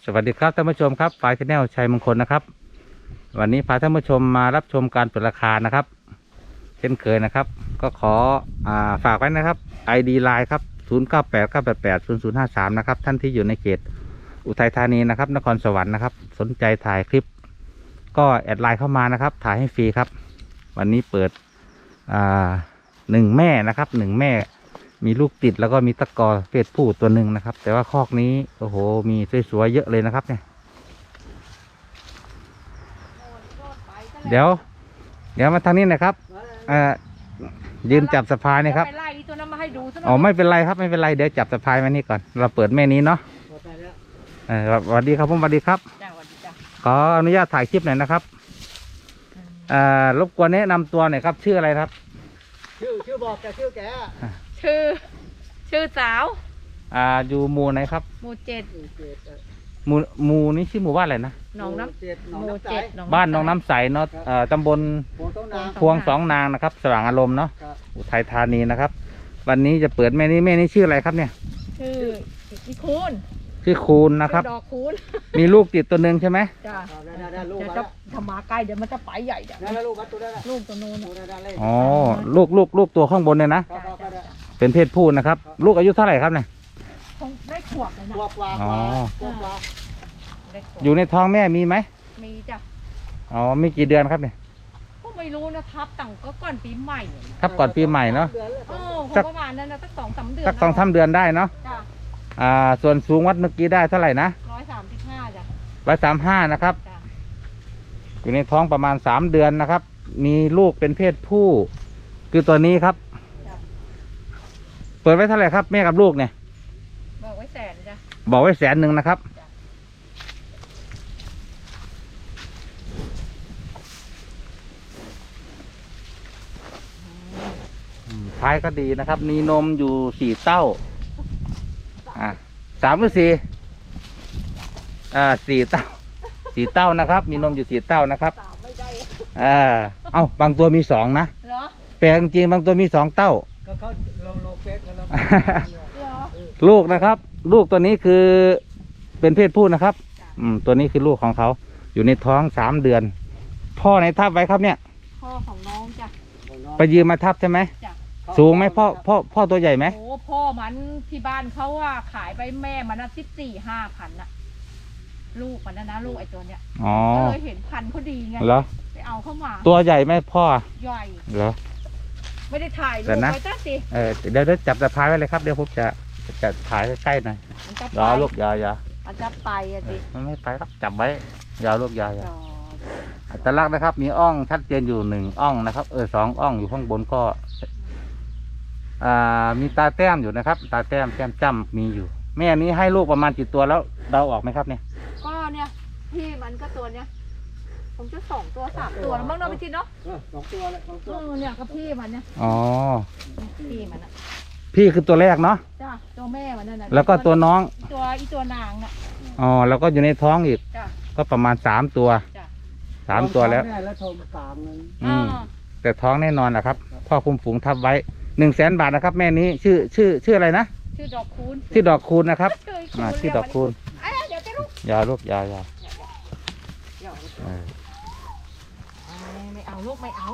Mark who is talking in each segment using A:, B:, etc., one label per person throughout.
A: สวัสดีครับท่านผู้ชมครับฝ่ายชาแนลชัยมงคลนะครับวันนี้พาท่านผู้ชมมารับชมการเปิดราคานะครับเช่นเคยนะครับก็ขอฝากไว้นะครับ ID Line ครับ0989880053นะครับท่านที่อยู่ในเขตอุทัยธานีนะครับนครสวรรค์นะครับสนใจถ่ายคลิปก็แอดไลน์เข้ามานะครับถ่ายให้ฟรีครับวันนี้เปิด1 แม่นะครับ1 แม่มีลูกติดแล้วก็มีตะกอเพศผู้ตัวหนึ่งนะครับแต่ว่าคอกนี้โอ้โหมีสวยๆเยอะเลยนะครับเนี่ยเดี๋ยวมาทางนี้นะครับยืนจับสะพายนี่ครับอ๋อไม่เป็นไรครับไม่เป็นไรเดี๋ยวจับสะพายมานี่ก่อนเราเปิดแม่นี้เนาะสวัสดีครับผมสวัสดีครับขออนุญาตถ่ายคลิปหน่อยนะครับรบกวนแนะนำตัวหน่อยครับชื่ออะไรครับ
B: ชื่อบอกแกชื่อแก
C: ชื่อสาว
A: อยู่หมู่ไหนครับ
C: หมู่7
A: หมู่นี้ชื่อหมู่บ้านอะไรนะ
C: หนองน้ำหมู่7
A: บ้านหนองน้ำใสเนาะตำบลพวงสองนางนะครับสว่างอารมณ์เนาะอุทัยธานีนะครับวันนี้จะเปิดแม่นี้ชื่ออะไรครับเนี่ย
C: ชื่อคูณ
A: ชื่อคูณนะครับ
C: ดอกคูณ
A: มีลูกติดตัวหนึ่งใช่ไหม
C: จ้าจะทำมาใกล้เดี๋ยวมันจะไปใหญ่เดี๋ยวลูกตัวนู้น
A: อ๋อลูกตัวข้างบนเนี่ยนะเป็นเพศผู้นะครับลูกอายุเท่าไหร่ครับเนี่ย
C: ได้ขวบเลยนะ
A: อ๋ออยู่ในท้องแม่มีไหม
C: มีจ้ะ
A: อ๋อมีกี่เดือนครับเนี่ย
C: ก็ไม่รู้นะครับตั้งก็ก่อนปีใหม่
A: ครับก่อนปีใหม่เนาะ
C: ประมาณนั้นนะสัก2-3 เดือน
A: สัก2-3 เดือนได้เนาะส่วนสูงวัดเมื่อกี้ได้เท่าไหร่นะ
C: 135จ้ะ
A: 135นะครับอยู่ในท้องประมาณ3 เดือนนะครับมีลูกเป็นเพศผู้คือตัวนี้ครับเปิดไว้เท่าไหร่ครับแม่กับลูกเนี่ย
C: บอกไว้100,000จ้ะ
A: บอกไว้100,000นะครับท้ายก็ดีนะครับมีนมอยู่4 เต้า3 หรือ 4 4 เต้า4 เต้านะครับมีนมอยู่4 เต้านะครับบางตัวมี2นะแปลงจริงบางตัวมี2 เต้าลูกนะครับลูกตัวนี้คือเป็นเพศผู้นะครับตัวนี้คือลูกของเขาอยู่ในท้อง3 เดือนพ่อไหนทับไว้ครับเนี่ย
C: พ่อของน้องจ้ะ
A: ไปยืมมาทับใช่ไหมสูงไหมพ่อตัวใหญ่ไหม
C: โอ้พ่อมันที่บ้านเขาว่าขายไปแม่มัน14,000-15,000น่ะลูกมันนะลูกไอ้ตัวเนี้ยก็เลยเห็นพันธุ์เขาดีไง
A: เหรอ
C: ไปเอาเข้ามา
A: ตัวใหญ่ไหมพ่อ
C: ใหญ่
A: เหรอ
C: ไม่ได้ถ่ายรูปไว้ตั้งสิ
A: เดี๋ยวจับสะพายไว้เลยครับเดี๋ยวผมจะถ่ายใกล้ๆหน่อยรอลูกยา
C: มันจะไปสิ
A: มันไม่ไปครับจับไว้ยาลูกยาอัตลักษณ์นะครับมีอ่องชัดเจนอยู่1 อ่องนะครับ2 อ่องอยู่ข้างบนก็มีตาแต้มอยู่นะครับตาแต้มจ้ำมีอยู่แม่นี้ให้ลูกประมาณกี่ตัวแล้วเดาออกไหมครับเนี่ย
C: ก็เนี่ยพี่มันก็ตัวเนี้ยผมจะ2 ตัว 3 ตัวแล้วบ้างเนาะพี่ทินเนาะ
B: 2 ตัวเลย2 ตัว
C: เนี่ยก็พี่มันเนี่ยพี่มันอ่ะ
A: พี่คือตัวแรกเนาะ
C: จ้ะตัวแม่มันนั่นน่ะ
A: แล้วก็ตัวน้อง
C: ตัวนางน่ะ
A: แล้วก็อยู่ในท้องอีกก็ประมาณ3 ตัว3 ตัวแล้วแต่ท้องแน่นอนนะครับพ่อคุมฝูงทับไว้100,000 บาทนะครับแม่นี้ชื่ออะไรนะ
C: ชื่อดอกคูณ
A: นะครับชื่อดอกคูณยาลูกยา
C: ไม่เอาลูกไม่เอา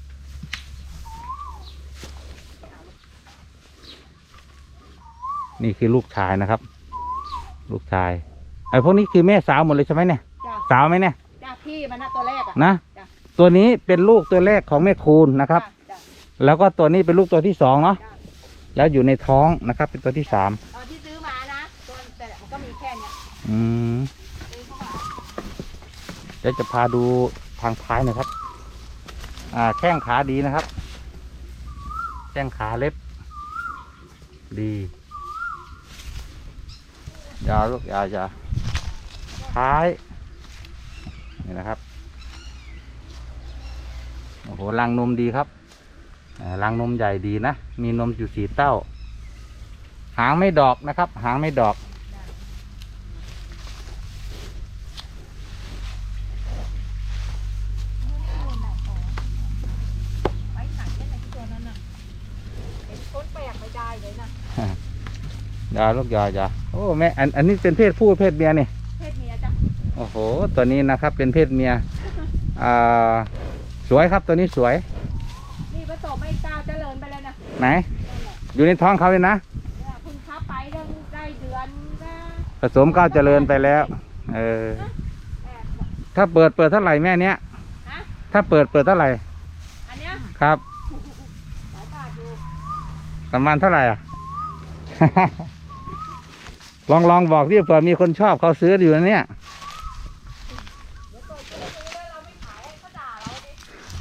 A: นี่คือลูกชายนะครับลูกชายไอ้พวกนี้คือแม่สาวหมดเลยใช่ไหมเนี่ยสาวไหมเนี่ย
C: พี่มันนะตัวแรก
A: นะตัวนี้เป็นลูกตัวแรกของแม่คูณนะครับแล้วก็ตัวนี้เป็นลูกตัวที่2เนาะแล้วอยู่ในท้องนะครับเป็นตัวที่3
C: ที่ซื้อมานะตัวแต่มันก็มีแค่เนี้ย
A: เดี๋ยวจะพาดูทางท้ายนะครับแข้งขาดีนะครับแข้งขาเล็บดียาวลูกยาวท้ายนี่นะครับโอ้โหรังนมดีครับรังนมใหญ่ดีนะมีนมอยู่4 เต้าหางไม่ดอกนะครับหางไม่ดอก
C: เลยนะ
A: ยาลูกยาโอ้แม่อันนี้เป็นเพศผู้เพศเมียนี่
C: เพศเมีย
A: โอ้โห ตัวนี้นะครับเป็นเพศเมียอ่าสวยครับตัวนี้สวย
C: นี่ผสมไม่กล้าเจริญไปเลยนะ
A: ไหน อยู่ในท้องเขาเลยนะ
C: เนี่ยคุณค้าไปได้เดือนนะ
A: ผสมก้าวเจริญไปแล้ว เออ
C: แอบ
A: ถ้าเปิดเท่าไหร่แม่เนี้ย
C: ฮะ
A: ถ้าเปิดเท่าไหร่
C: อันเนี้ย
A: ครับ
C: หลายบาทอยู่
A: ประมาณเท่าไหร่อ่ะ ลองบอกดิเผื่อมีคนชอบเขาซื้ออยู่นะเนี่ย
C: เดี๋ยวเปิดซื้อแล้วเราไม่ขายให้เขาด่าเราดิ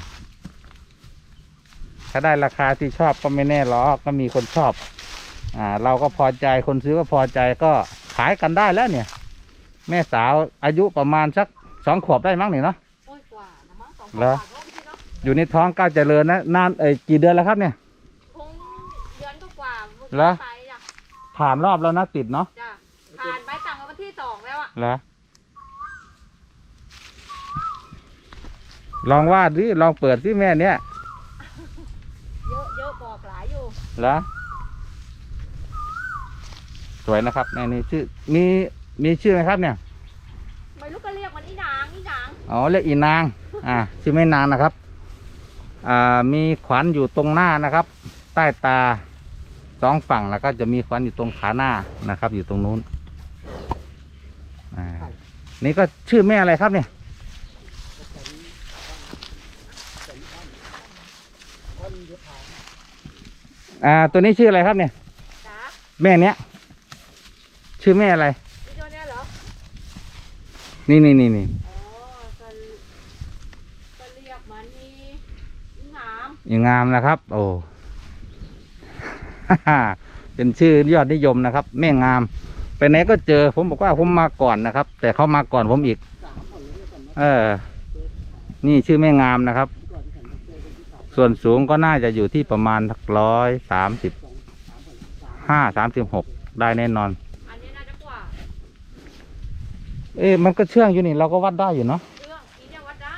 A: ถ้าได้ราคาที่ชอบก็ไม่แน่หรอกก็มีคนชอบ เราก็พอใจคนซื้อก็พอใจก็ขายกันได้แล้วเนี่ย แม่สาวอายุประมาณสัก2 ขวบได้มั้งนี่เนาะ
C: โอ้ยกว่านะมั้ง2
A: เหรอ
C: บาทแล้วพี่เนาะ
A: อยู่ในท้องก้าวเจริญนะนานกี่เดือนแล้วครับเนี่ย
C: คงเดือนกว่าๆ
A: เหรอ
C: ไปจ้ะ
A: ผ่านรอบแล้วนะติดเนาะ
C: จ้ะผ่านไปต่างกับวันที่2แล้วอ่ะ
A: เหรอลองวาดดิลองเปิดสิแม่เนี่ย
C: เยอะบอกหลายอยู่
A: เหรอสวยนะครับแม่นี่ชื่อมีชื่อไหมครับเนี่ย
C: ไม่รู้ก็เรียกมันอีนางอีนาง
A: อ๋อเรียกอีนาง ชื่อไม่นางนะครับ มีขวัญอยู่ตรงหน้านะครับ ใต้ตา2 ฝั่งแล้วก็จะมีขวัญอยู่ตรงขาหน้านะครับ อยู่ตรงนู้นนี่ก็ชื่อแม่อะไรครับเนี่ยตัวนี้ชื่ออะไรครับเนี่ย
C: จ้า
A: แม่เนี้ยชื่อแม่อะไร
C: อีตัวเนี้ยเหรอ
A: นี่
C: อ๋อก็เรียกมันอีงาม
A: อย่างงามนะครับ โอ้ เป็นชื่อยอดนิยมนะครับ แม่งามไปไหนก็เจอผมบอกว่าผมมาก่อนนะครับ แต่เขามาก่อนผมอีก นี่ชื่อแม่งามนะครับ ส่วนสูงก็น่าจะอยู่ที่ประมาณ135-36ได้แน่นอน
C: อันนี้น่าจะกว่า
A: มันก็เชื่องอยู่นี่เราก็วัดได้อยู่เนาะ
C: เรื่องนี้เนี่ยวัดได้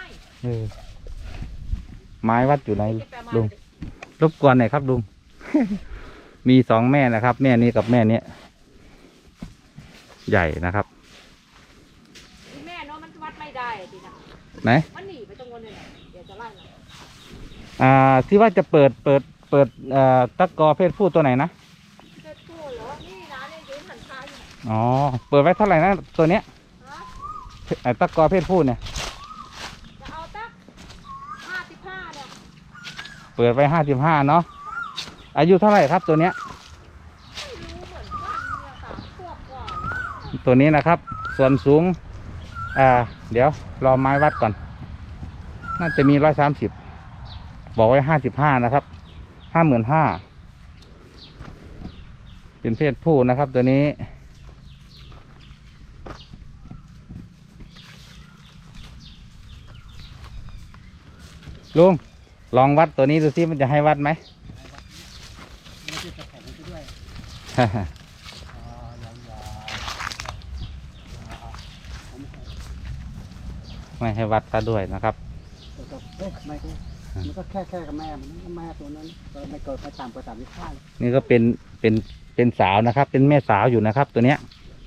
A: ไม้วัดอยู่ไหน
C: เก็บไปมา
A: ลุงรบกวนหน่อยครับลุง มี2 แม่นะครับ แม่นี้กับแม่เนี้ยใหญ่นะครับ
C: อีแม่เนาะมันวัดไม่ได้ทีนะ
A: ไหน
C: มันหนีไปตรงนู้นเลยเดี๋ยวจะไล่มัน
A: ที่ว่าจะเปิดตะกอเพศผู้ตัวไหนนะ
C: เจ้าตัวเหรอนี่นะเนี่ยยืนหันคาอยู่
A: อ๋อเปิดไว้เท่าไหร่นะตัวเนี้ย
C: ฮะ
A: ตะกอเพศผู้เนี่ย
C: จะเอาตัก55เนี่ย
A: เปิดไว้55เนาะอายุเท่าไหร่ครับตัวเนี้ย
C: ไม่รู้เหมือนกันเนี่ย3 ขวบกว่า
A: ตัวนี้นะครับ ส่วนสูงเดี๋ยวรอไม้วัดก่อน น่าจะมี130บอกไว้55นะครับ55,000เป็นเพศผู้นะครับ ตัวนี้ลุงลองวัดตัวนี้ดูซิมันจะให้วัดไหม
B: ไม่ใช่ตะแคงไปด้วย
A: ไม่ให้วัดซะด้วยนะครับ
B: แต่ก็ไม่ก็มันก็แค่กับแม่มันแม่ตัวนั้นก็ไม่เกิดไม่ต่ำกว่า35เลย
A: นี่ก็เป็นสาวนะครับ เป็นแม่สาวอยู่นะครับ ตัวเนี้ย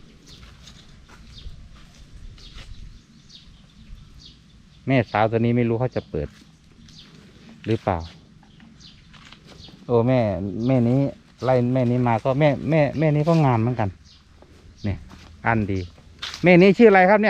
A: แม่สาวตัวนี้ไม่รู้เขาจะเปิด หรือเปล่า โอ้แม่นี้ไล่แม่นี้มาก็แม่นี้ก็งามเหมือนกัน เนี่ยอันดี แม่นี้ชื่ออะไรครับเนี่ย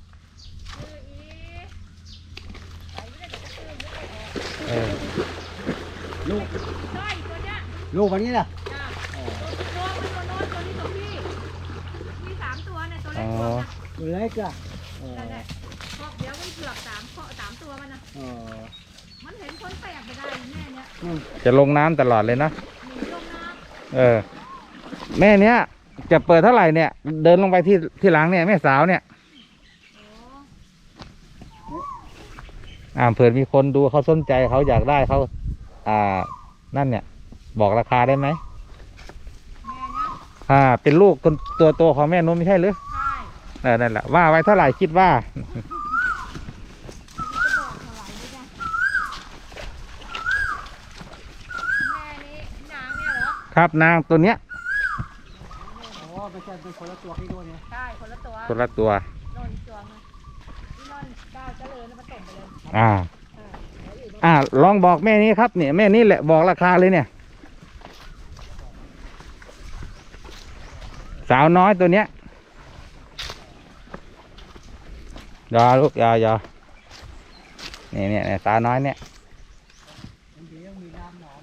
B: ลูก
C: ใช่ตัวเนี้ย
B: ลูกวันนี้น่ะ
C: จ้ะตัวโน้นตัวนี้ตัวพี่มี3 ตัวเนี่ยตัวเล็กกว่าน่ะ
B: ตัวเล็กอ่ะ
C: นั่นแหละพอกเดี๋ยวมันเผือก3 ตัวมันนะ
B: เออ
C: มันเห็นคนแปลกไปได้แม่เนี่ย
A: จะลงน้ำตลอดเลยนะ
C: หนีลงน้
A: แม่เนี้ยจะเปิดเท่าไหร่เนี่ย เดินลงไปที่หลังเนี่ยแม่สาวเนี่ย
C: ำ
A: เผื่อมีคนดูเขาสนใจเขาอยากได้เขานั่นเนี่ย บอกราคาได้ไหม
C: แม่เนี่ย
A: เป็นลูกตัวโตของแม่นุ่มไม่ใช่หรือ
C: ใช่
A: นั่นแหละว่าไว้เท่าไหร่คิดว่า
C: จะบอกเท่าไหร่นี่จ้ะแม่นี้นางเนี่ยเหรอ
A: ครับนางตัวเนี้ย
B: อ๋อไปไม่ใช่เป็นคนละตัวที่ด้วยเนี่ย
C: ใช่คนละตัว
A: คนละตัว
C: โน่นอีกตัวนึงที่โน่นก้าวเจริญแล้วมันส่งไปเลย
A: อ่า
C: เดี๋ยวอื่น
A: ลองบอกแม่นี้ครับเนี่ยแม่นี้แหละบอกราคาเลยเนี่ย สาวน้อยตัวเนี้ยยอลูกยอเนี่ยสาวน้อยเนี่ย
B: มันดีต้องมีน้ำหนอน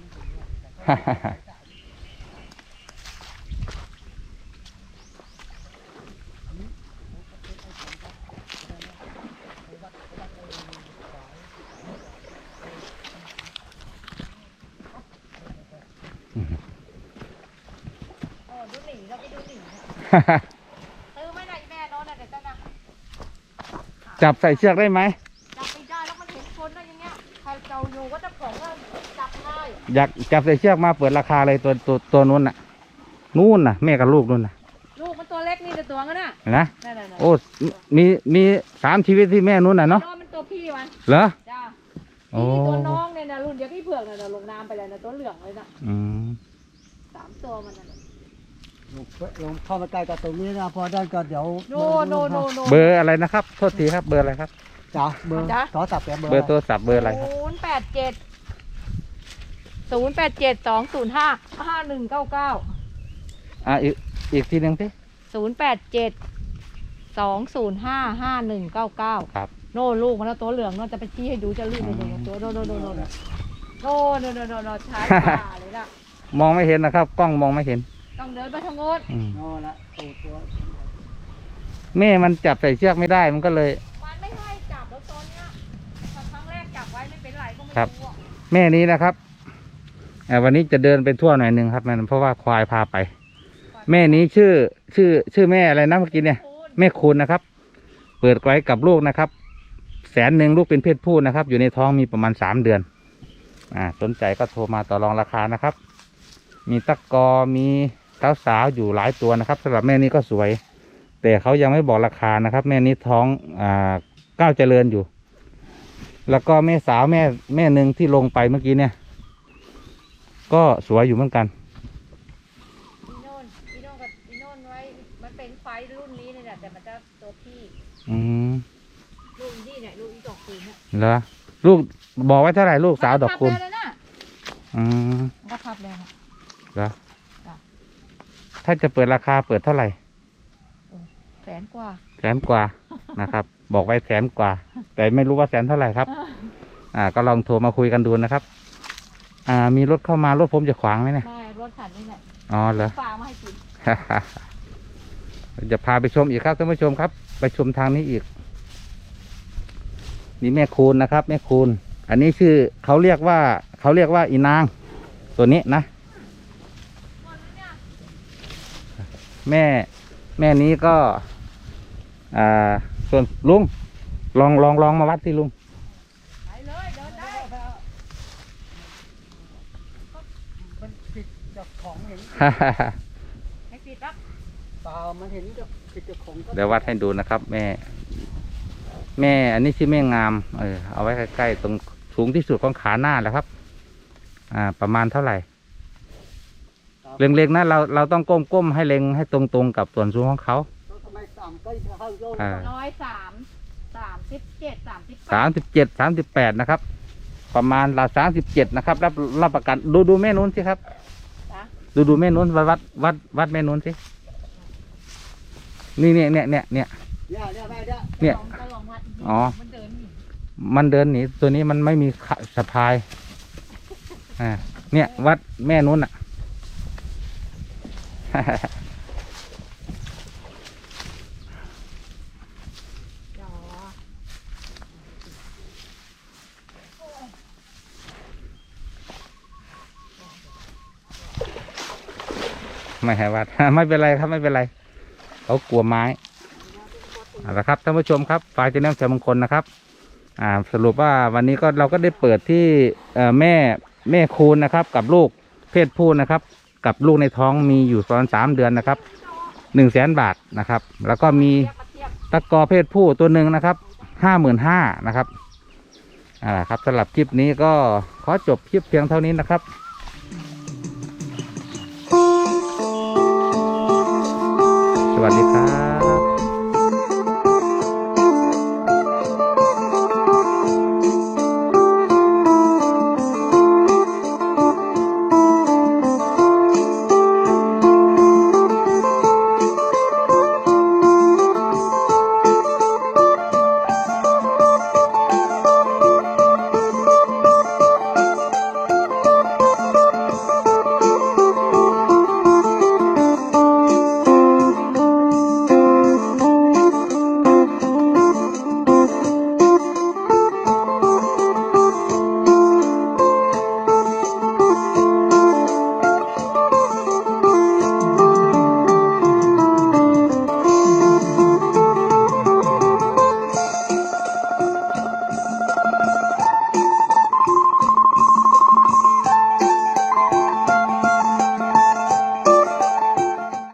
C: โอ้ดูหนีเราไปดูหนีเนี่ยซื้อไม่ได้แม่โน้นน่ะเดี๋ยวจะนะ
A: จับใส่เชือกได้ไหม
C: จับไม่ได้แล้วมันเห็นคนนะอย่างเงี้ยใครเจ้าอยู่ก็จะของก็จับง่าย
A: อยากจับใส่เชือกมาเปิดราคาเลยตัวนู้นน่ะนู่นน่ะแม่กับลูกนู่นน่ะ
C: ลูกมันตัวเล็กนี่แต่ตัวงั้นน่ะ
A: เห็นนะ
C: นั่น
A: โอ้มี3 ชีวิตที่แม่นู้นน่ะเนาะ
C: น้องมันตัวพี่มัน
A: เหรอ
C: จ้า
A: โอ้
C: นี่ตัวน้องเนี่ยนะรุ่นเดียวกับพี่เผือกน่ะลงน้ำไปเลยนะตัวเหลืองเลยน่ะ
A: อืม
C: 3 ตัวมันน่ะ
B: ลงเข้ามาใกล้กับตรงนี้นะพอได้ก็เดี๋ยว
C: โน
A: เบอร์อะไรนะครับโทษทีครับเบอร์อะไรครับ
B: จ้าเบอร์ต่อตับแก
A: เบอร์โทรศัพท์เบอร์อะไรครับ
C: 087 205 5199
A: อีกทีหนึ่งสิ
C: 087 205 5199
A: ครับ
C: โน่ลูกมันแล้วตัวเหลืองโน่นจะไปชี้ให้ดูจะรีบเลยตัวโน่ช้าป่าเลยล่ะ
A: มองไม่เห็นนะครับกล้องมองไม่เห็น
C: ต้องเดินไปทางโน้น
A: อืม
B: โน่ละตัว
A: แม่มันจับใส่เชือกไม่ได้มันก็เลย
C: มันไม่ให้จับแล้วตอนเนี้ยพอครั้งแรกจับไว้ไม่เป็นไรก็ไม่
A: ครับ
C: รู้อะ
A: แม่นี้นะครับวันนี้จะเดินไปทั่วหน่อยหนึ่งครับมันเพราะว่าควายพาไป แม่นี้ชื่อแม่อะไรนะเมื่อกี้เนี่ย
C: คุณ
A: แม่คุณนะครับ เปิดไว้กับลูกนะครับ100,000ลูกเป็นเพศผู้นะครับ อยู่ในท้องมีประมาณ3 เดือนสนใจก็โทรมาต่อรองราคานะครับ มีตะกอมีสาวๆอยู่หลายตัวนะครับสำหรับแม่นี้ก็สวย แต่เขายังไม่บอกราคานะครับ แม่นี้ท้องก้าวเจริญอยู่ แล้วก็แม่สาวแม่หนึ่งที่ลงไปเมื่อกี้เนี่ย ก็สวยอยู่เหมือนกัน
C: อีโน่นกับอีโน่นไว้มันเป็นไฟรุ่นนี้เนี่ยแต่มันจะตัวพี่
A: อืม
C: ลูกอีนี่เนี่ยลูกอีดอกคูณเนี่ย
A: เหรอลูกบอกไว้เท่าไหร่ลูกสาวดอกคุณ
C: มันก็พับเลยนะ
A: อืม
C: มันก็พับเลยนะ
A: เหรอ
C: จ้ะ
A: ถ้าจะเปิดราคาเปิดเท่าไหร่
C: 100,000 กว่า
A: 100,000 กว่านะครับ บอกไว้100,000 กว่า แต่ไม่รู้ว่า100,000 เท่าไหร่ครับ ก็ลองโทรมาคุยกันดูนะครับ มีรถเข้ามารถผมจะขวางไหมเนี่ย
C: ไม่รถคันนี้แหละ
A: อ๋อเหรอ
C: ฝากมาให้กิน
A: จะพาไปชมอีกครับท่านผู้ชมครับ ไปชมทางนี้อีก นี่แม่คูณนะครับ แม่คูณอันนี้ชื่อเขาเรียกว่าอีนาง ตัวนี้นะ แม่นี้ก็ส่วนลุงลองมาวัดสิลุง
C: ไปเลยเดินได้
B: มันปิดจากของเห็น
C: ให้ปิดรับ
B: เปล่ามันเห็นจากปิดจากของก็
A: เดี๋ยววัดให้ดูนะครับ แม่อันนี้ชื่อแม่งามเอาไว้ใกล้ๆตรงสูงที่สุดของขาหน้าแล้วครับ ประมาณเท่าไหร่เล็งๆนะเราต้องก้มให้เล็งให้ตรงๆกับส่วนสูงของเขา
B: ทำไมต่ำก็เข้าโยน
A: 37 นะครับ ประมาณ37นะครับรับประกันดูแม่นู้นสิครับ
C: จ้ะ
A: ดูแม่นู้นวัดแม่นู้นสินี่เนี่ย
B: เนี่ยแม่เนี่ย
A: เนี่ย
C: ก็ลองวัด
A: อ๋อ
C: มันเดินหนี
A: มันเดินหนีตัวนี้มันไม่มีสะพายเนี่ยวัดแม่นู้นอ่ะ
C: อ๋อ
A: ไม่ให้วัด ไม่เป็นไรครับไม่เป็นไรเขากลัวไม้เอาละครับท่านผู้ชมครับฝ่ายเจ้าแนมเสริมมงคลนะครับสรุปว่าวันนี้เราก็ได้เปิดที่แม่คูณนะครับ กับลูกเพศผู้นะครับ กับลูกในท้องมีอยู่ตอน3 เดือนนะครับ100,000 บาทนะครับ แล้วก็มีตะกอเพศผู้ตัวหนึ่งนะครับ55,000นะครับครับสำหรับคลิปนี้ก็ขอจบคลิปเพียงเท่านี้นะครับ